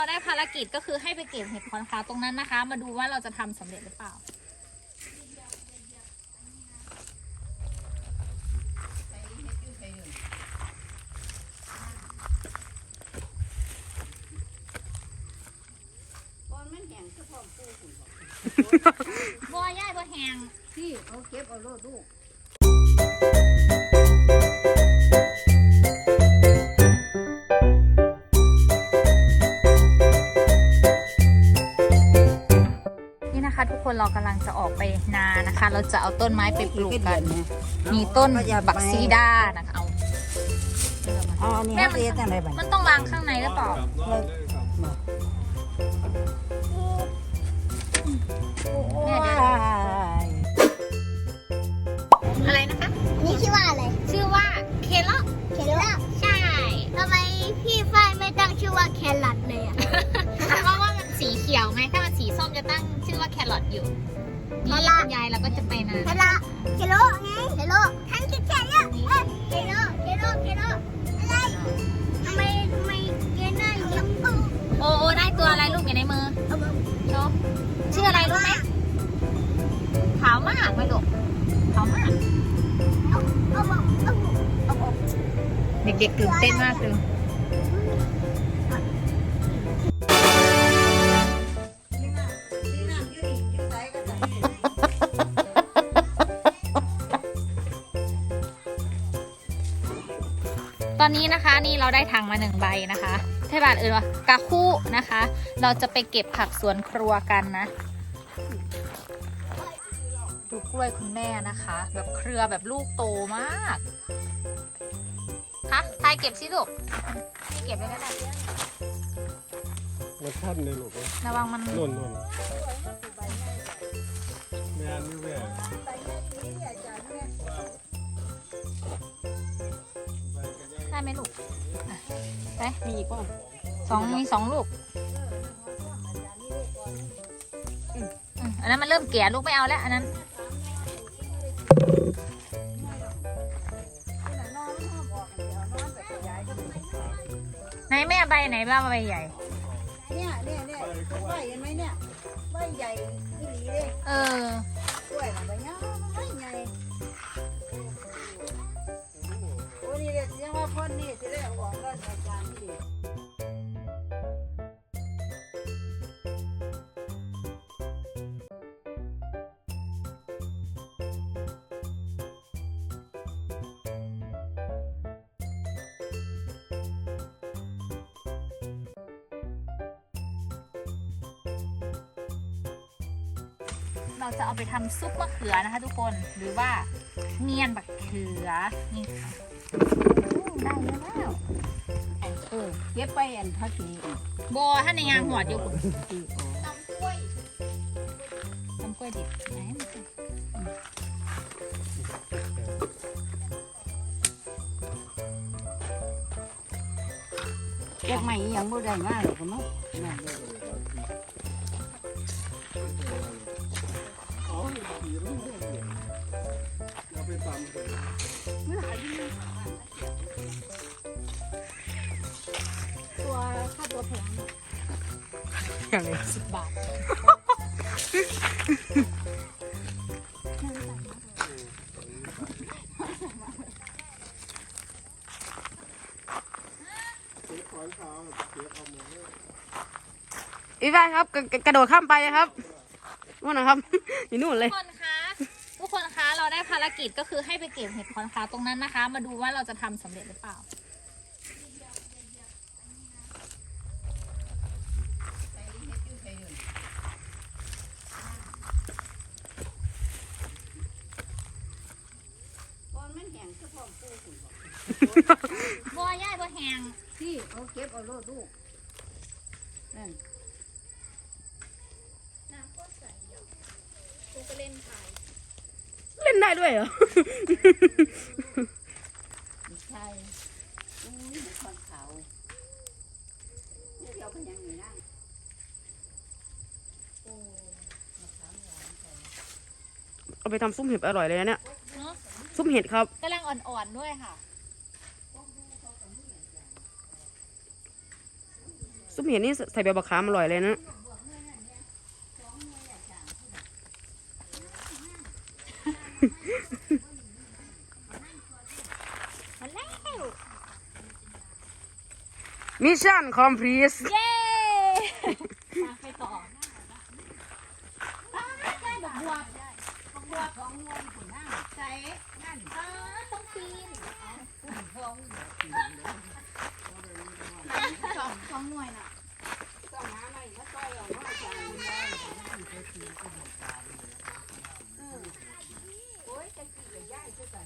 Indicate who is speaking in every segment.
Speaker 1: เราได้ภารกิจก็คือให้ไปเก็บเห็ดขอนขาวตรงนั้นนะคะมาดูว่าเราจะทำสำเร็จหรือเปล่าบัวย่ายบัวแหง
Speaker 2: ที่เอาเก็บเอาโลดลูก
Speaker 1: นี่นะคะทุกคนเรากำลังจะออกไปนานะคะเราจะเอาต้นไม้ไปปลูกกันมีต้นบักซีดานะคะ
Speaker 2: เอาอันนี้เรียกอะไรบ้าง
Speaker 1: มันต้องวางข้างในหรือเปล่าอะไรนะคะ
Speaker 3: นี่ชื่อว่าอะไร
Speaker 1: ชื่อว่าเคลอ
Speaker 3: เคลอ
Speaker 1: ใช่
Speaker 3: ทำไมพี่ฝ้ายไม่ตั้งชื่อว่าแครอทเลยอ่ะ
Speaker 1: เพราะว่ามันสีเขียวไงถ้ามันสีส้มจะตั้งชื่อว่าแครอทอยู่นี่คุณยายเราก็จะไปนะ
Speaker 3: แครอทเคลอไงเคลอทั้งคิดแค่เนี้ยเคลออะไรทำไมเกน่ายัง
Speaker 1: โอ้ได้ตัวอะไรลูกอยู่ในมือโชว์ชื่ออะไรรู้ไหมขาวมากไหมลูกขาวมากเด็กๆตื่นเต้นมากเลยตอนนี้นะคะนี่เราได้ถังมา1 ใบนะคะเทบาทว่ากะคู่นะคะ เราจะไปเก็บผักสวนครัวกันนะดูกล้วยคุณแม่นะคะแบบเครือแบบลูกโตมากคะทายเก็บสิลูกนี่เก็บไปก็ได้
Speaker 4: มันท่อนเลยลูก
Speaker 1: ระวังมัน
Speaker 4: หล่นแม่นี่แม่
Speaker 1: ได้ไหมลูกไป
Speaker 2: มีอีกป่ะ
Speaker 1: มีสองลูกอันนั้นมันเริ่มแก่ลูกไม่เอาแล้วอันนั้นไหนแม่ใบไหนบ้างใบใหญ่
Speaker 2: เนี่ยใบเห็นไหมเนี่ยใบใหญ่ที่หลีเลยกล้วยใบเนี้ยใบใหญ่โอ้นี่เด็กยังว่าพ่นนี่จะได้ออกก็อาจารย์ที่
Speaker 1: เราจะเอาไปทำซุปมะเขือนะคะทุกคนหรือว่าเมียนบักเขือนี่ค่ะได้แล้ว
Speaker 2: เก็บไปอันพักนี้
Speaker 1: โบท่านในงานหัวอยู่คุณ
Speaker 3: ตำกล้วย
Speaker 1: ดิบไหน
Speaker 2: เก็บใหม่ยังบ่ได้มากหรอกมั้ง
Speaker 3: ตัวค่าตัวแพง
Speaker 1: อย่างไร10 บาท
Speaker 2: อีบ้านครับกระโดดข้ามไปครับนู่นนะครับอยู่นู่นเลย
Speaker 1: ทุกคนคะเราได้ภารกิจก็คือให้ไปเก็บเห็ดขอนขาวตรงนั้นนะคะมาดูว่าเราจะทำสำเร็จหรือเปล่าบัวย่ายบัวแหง
Speaker 2: ที่เอาเก็บเอาโลดลูกนั่น
Speaker 3: น้ำก็ใส่เยอะกูก็เล่นไป
Speaker 2: เล่นได้ด้วยเหรอใช่คนเขาเดี๋ยวเป็นยังไงนะเอาไปทำซุปเห็ดอร่อยเลยนะเนี่ยซุปเห็ดครับ
Speaker 1: กำลังอ่อนๆด้วยค่ะ
Speaker 5: ซุปเห็ดนี่ใส่ใบบักขามอร่อยเลยนะ
Speaker 1: มาแล้ว
Speaker 5: มิชชั่นคอมพลีท
Speaker 1: เย้มาไปต่อได้ดอกบัวของงวงหัวหน้าใส่นั่นต้องปีน
Speaker 2: สองหน่วยน่ะต้องหาอะไรมาต่อยเอาว่าจะโอ้ยจะกี่กับย่ายก็แต่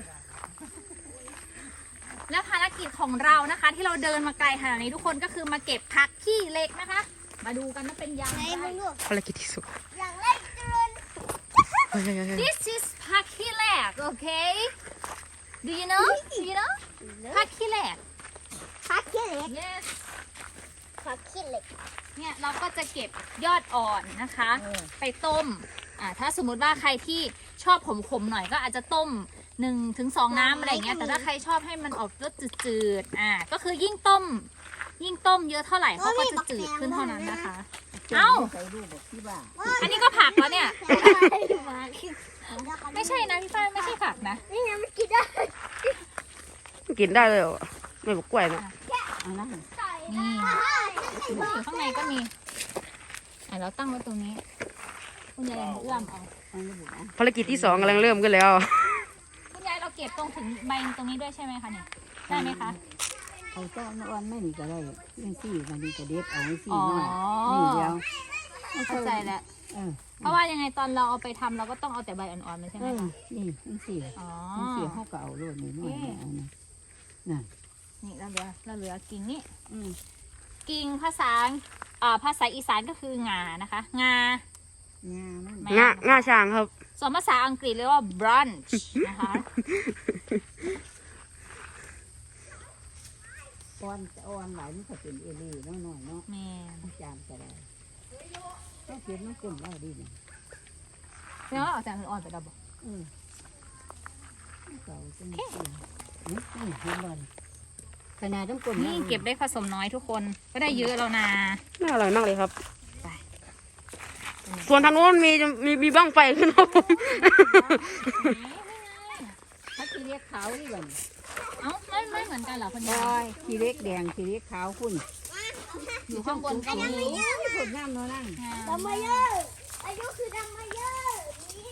Speaker 1: และภารกิจของเรานะคะ ที่เราเดินมาไกลขนาดนี้ทุกคนก็คือมาเก็บผักขี้เหล็กนะคะ มาดูกันว่าเป็นยังไง
Speaker 5: ภารกิจที่สุด
Speaker 3: อย่างไรเจริญ
Speaker 1: This is ผักขี้เหล็ก okay Do you knowผักขี้เหล็ก
Speaker 3: พักขี้เหล็ก
Speaker 1: Yes
Speaker 3: พักขี้เหล็ก
Speaker 1: เนี่ยเราก็จะเก็บยอดอ่อนนะคะ ไปต้มถ้าสมมุติว่าใครที่ชอบขมๆหน่อยก็อาจจะต้ม1-2 น้ำอะไรอย่างเงี้ยแต่ถ้าใครชอบให้มันออกรสจืดๆก็คือยิ่งต้มเยอะเท่าไหร่เขาก็จะจืดขึ้นเท่านั้นนะคะ เอ้า
Speaker 2: ใส่รูปบอกที่บ้าน
Speaker 1: อันนี้ก็ผักแล้วเนี่ย
Speaker 3: มา
Speaker 1: ไม่ใช่นะพี่ฝ้ายไม่ใช่ผักนะ
Speaker 3: นี่ไงมันกินได้
Speaker 5: กินได้เลยเหรอไม่บอกกล้วยนะ
Speaker 2: เอานะ
Speaker 1: นี่ข้างในก็มีเราตั้งไว้ตรงนี้คุณยายเอื้อมเอา
Speaker 2: เอาระบุนะ
Speaker 5: ภารกิจที่2กำลังเริ่มขึ้นแล้ว
Speaker 1: คุณยายเราเก็บตรงถึงใบตรงนี้ด้วยใช่ไหมคะเนี่ยได้ไหมคะ
Speaker 2: เอาต้อนอ่อนไม่นี่ก็ได้ยังสี่มันนี่ก็เด็ดเอาไว้สี่
Speaker 1: อ๋อ
Speaker 2: หน่อยนี่เดียว
Speaker 1: เข้าใจแล้ว
Speaker 2: เออ
Speaker 1: เพราะว่ายังไงตอนเราเอาไปทำเราก็ต้องเอาแต่ใบอ่อนๆมันใช่ไหมคะ
Speaker 2: นี่ยังสี่
Speaker 1: อ๋อ
Speaker 2: ยังสี่เขาก็เอาโลดนี่หน่อยเอานะน่ะ
Speaker 1: นี่เราเหลือกิ่งนี่
Speaker 2: อืม
Speaker 1: กิ่งภาษาอีสานก็คืองานะคะงาง
Speaker 2: ามัน
Speaker 1: แม่
Speaker 5: ง่าช้างครับ
Speaker 1: ส่วนภาษาอังกฤษเรียกว่า brunch นะคะ
Speaker 2: อ่อนหลายมันก็เป็นเอลี่น้อยๆเนาะ
Speaker 1: แม่
Speaker 2: จานก็ได้ต้องเก็บมันก้นได้ดีเนี่ย
Speaker 1: แล้วเอาแต่อ่อนๆไปดับบอก
Speaker 2: เก่าจังนี่เห็นบ่ขนาดต้องก้น
Speaker 1: นี่เก็บได้ผสมน้อยทุกคนก็ได้เยอะแล้วนะ
Speaker 5: น่าอร่อยมากเลยครับ
Speaker 1: ไป
Speaker 5: ส่วนทางโน้นมีบ้างไฟขึ้นครับผม
Speaker 2: ถ้าขี้เล็กขาวนี่บ่
Speaker 1: เอ้าไม่เหมือนกันเหรอคุณ
Speaker 2: โอ้
Speaker 1: ยาย
Speaker 2: ยขี้เล็กแดงขี้เล็กขาวคุณ
Speaker 1: อยู่ข้างบนก็มี
Speaker 2: ผลน้ำเนาะนั่ง
Speaker 3: ดำมาเยอะอายุคือดำมาเยอะนี่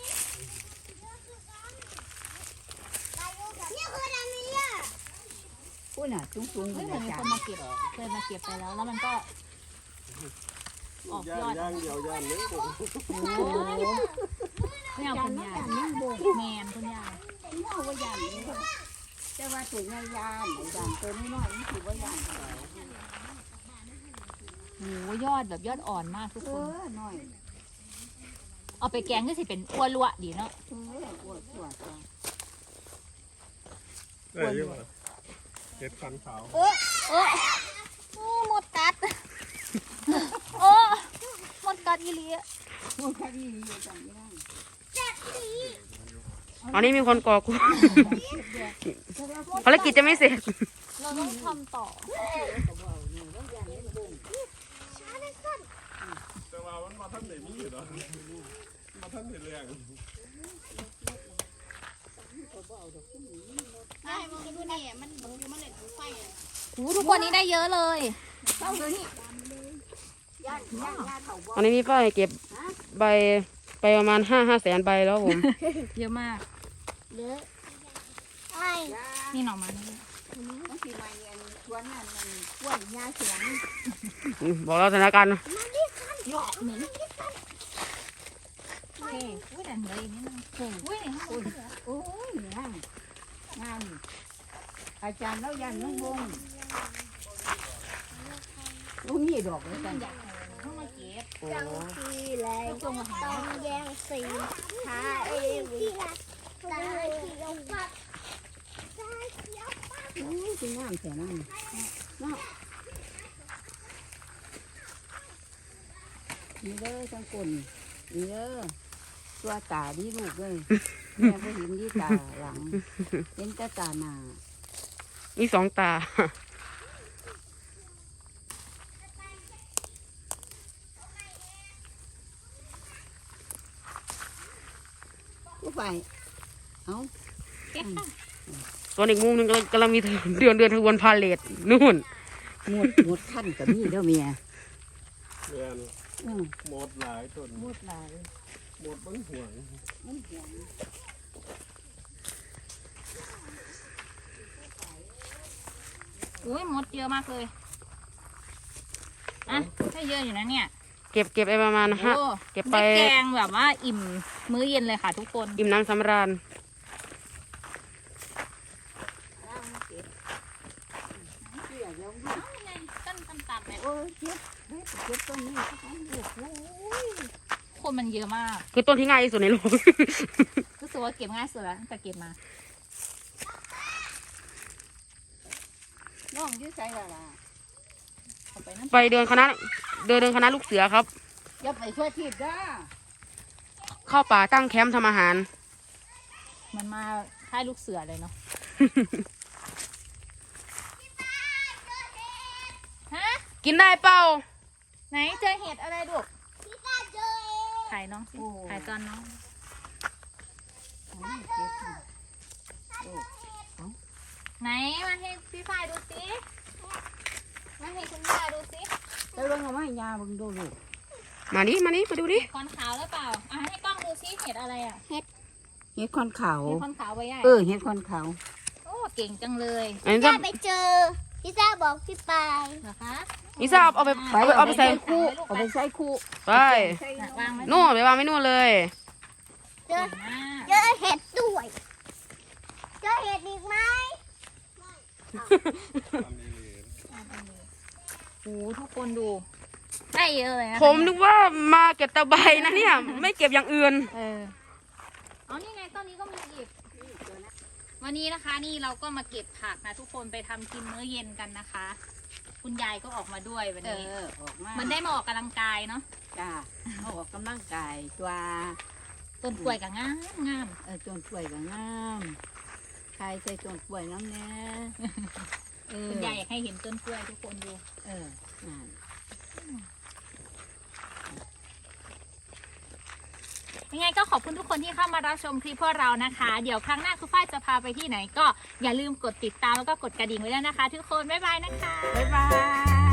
Speaker 3: คือดำมาเยอะ
Speaker 2: คุณอ่ะสูงๆ
Speaker 1: เฮ้ย
Speaker 2: เล
Speaker 1: เหมือย นมี
Speaker 2: จ้า
Speaker 1: คนมาเก็บเคยมาเก็บไปแล้วมันก็ออกยอด
Speaker 4: ย่างเดียวย่างนึงผม
Speaker 2: โอ้โห
Speaker 1: ไม่เอาคุณยาย
Speaker 2: ยังโบก
Speaker 1: แมนคุณยาย
Speaker 2: เอาว่ายานนี่แต่ว่าถึงยานยานตัวน้อยๆนี่ถือว่ายานเท่าไหร่
Speaker 1: โหยอดแบบยอดอ่อนมากทุกคน
Speaker 2: น้อย
Speaker 1: เอาไปแกงก็สิเป็นอ้วนลวดีเนาะ
Speaker 2: ปวดจ้า
Speaker 4: ได้อยังไงเห็ดฟันขาว
Speaker 1: โอ้หมดกัด โอ้หมดกัดอีหลีอะ
Speaker 2: โอ้คดีอยู่จังไม่ได้
Speaker 5: ตอนนี้มีคนก่อกวน ภารกิจจะไม่เสร็จ
Speaker 1: เราต้องทำต่อ
Speaker 4: แต่ว่ามันมาท่านไหนมีอยู่เนาะมาท่านไหนแรง
Speaker 1: หูทุกคนนี้ได้เยอะเลย
Speaker 5: ตอนนี้พี่ฝ้ายเก็บใบไปประมาณ5 แสนใบแล้วผม
Speaker 1: เยอะมาก
Speaker 3: เยอะไอ้
Speaker 1: นี่หน่อไม้
Speaker 2: ต้องปีใหม่เนี่ยชวนนั่นมันกล้วยยาเสียง
Speaker 5: บอกเราสถานการณ์
Speaker 1: โอเคอุ้ยแต่เหลืออีกนิดนึงอุ้ยในห้องเหลือ
Speaker 2: โอ้ยงานอาจารย์แล้วยันน้องบงลูกนี่ดอกเลยกัน
Speaker 1: ห้องมาเก็บ
Speaker 3: จังทีไรต้องแย่งสีหาเอวีตาเขียวปัดตาเขียวปัด
Speaker 2: โอ้ยคืองามแต่นั่นเนาะนี่เด้อทั้งคนนี่เด้อตัวตาดีลูกเลยแม่ก็เห็นดีตาหลังเห็นแต่ตาหน้า
Speaker 5: มี2 ตา
Speaker 2: ไปเอา
Speaker 1: เก็บค่ะ
Speaker 5: ส่วนอีกมุมหนึงกำลังมีเดือนขบวนพาเลทนู่น
Speaker 2: หมดขั้นกับนี่เด้อเมีย
Speaker 4: เรียน
Speaker 2: อืม
Speaker 4: หมดหลายต้น
Speaker 2: หมดหลาย
Speaker 4: หมดมันห่วง
Speaker 2: มันเหี่ยว
Speaker 1: อุ้ยมดเยอะมากเลยอ่ะให้เยอะอยู่นะเนี่ย
Speaker 5: เก็บไปประมาณห้า
Speaker 1: โอ้
Speaker 5: เก็บไป
Speaker 1: ได้แกงแบบว่าอิ่มมื้อเย็นเลยค่ะทุกคน
Speaker 5: อิ่มน้ำสำราญ
Speaker 2: เกี่ยวแล้ว
Speaker 1: เอ้าไงต้นต่ำๆเนี่ย
Speaker 2: โอ้ยเจ็บเจ็บตรงนี้โอ้ย
Speaker 1: คนมันเยอะมาก
Speaker 5: คือต้นที่ง่ายที่สุดในโลก
Speaker 1: รู้สึกว่าเก็บง่ายสุดแล้วตั้งแต่เก็บมา
Speaker 2: น้องยืดใจละล่ะ
Speaker 1: เอาไปนั่น
Speaker 5: ไปเดินคณะลูกเสือครับ
Speaker 2: อย่าไปช่วยทีบด้า
Speaker 5: เข้าป่าตั้งแคมป์ทำอาหาร
Speaker 1: มันมาค่ายลูกเสือเลยเนาะ ฮะ
Speaker 5: กินได้เปล่า
Speaker 1: ไหนเจอเห็ดอะไรดู
Speaker 3: พี่ตาเจอเอง
Speaker 1: ถ่ายน้องสิถ่ายตอนน้อง ไหนมาให้พี่ฝ้ายดูสิมาให้คุณย่าดูสิ
Speaker 2: ไปเบิ่งเอาไม้ยาเบิ่งดูลูก
Speaker 5: มาดิมาดิมาดูดิ
Speaker 1: คอนขาวหรือเปล่าอ่ะให้กล้องดูสิเห็ดอะไรอ่ะ
Speaker 2: เห็ดคอนขาว
Speaker 1: เห็ดคอนขาวไว้ใหญ่
Speaker 2: เห็ดคอนขาว
Speaker 1: โอ้เก่งจังเลย
Speaker 5: อันนี้
Speaker 3: พี่
Speaker 5: จะ
Speaker 3: ตาไปเจอพี่ตาบอกพี่ไป
Speaker 1: เหรอคะ
Speaker 5: นิซ่าเอาไปเอาไปใส่
Speaker 2: คู่เอาไปใส่คู่
Speaker 5: ไป
Speaker 1: วางไว้
Speaker 5: นู่นไปวางไม่นู่นเลย
Speaker 3: เจอ
Speaker 1: มาก
Speaker 3: เจอเห็ดด้วยเจอเห็ดอีกไหม
Speaker 1: โอ้โหทุกคนดูได้เยอะเลยนะ
Speaker 5: ผมนึกว่ามาเก็บตะไบนะเนี่ย ไม่เก็บอย่างอื่น
Speaker 1: เอานี่ไงต้นนี้ก็มีอีกวันนี้นะคะนี่เราก็มาเก็บผักนะทุกคนไปทำกินมื้อเย็นกันนะคะ คุณยายก็ออกมาด้วยวันนี้
Speaker 2: ออกมา
Speaker 1: มันได้มาออกกำลังกายเนาะ
Speaker 2: จ้าออกกำลังกายตัว
Speaker 1: ต้นกล้วยกับงามงาม
Speaker 2: ต้นกล้วยก็งามใครใส่ต้นกล้วยน้ำแน่
Speaker 1: ๆคุณยายอยากให้เห็นต้นกล้วยทุกคนดู
Speaker 2: นั่น
Speaker 1: ยังไงก็ขอบคุณทุกคนที่เข้ามารับชมคลิปพวกเรานะคะ เดี๋ยวครั้งหน้าคุณฝ้ายจะพาไปที่ไหนก็อย่าลืมกดติดตามแล้วก็กดกระดิ่งไว้ด้วยนะคะ ทุกคนบ๊ายบายนะคะ
Speaker 2: บ๊ายบาย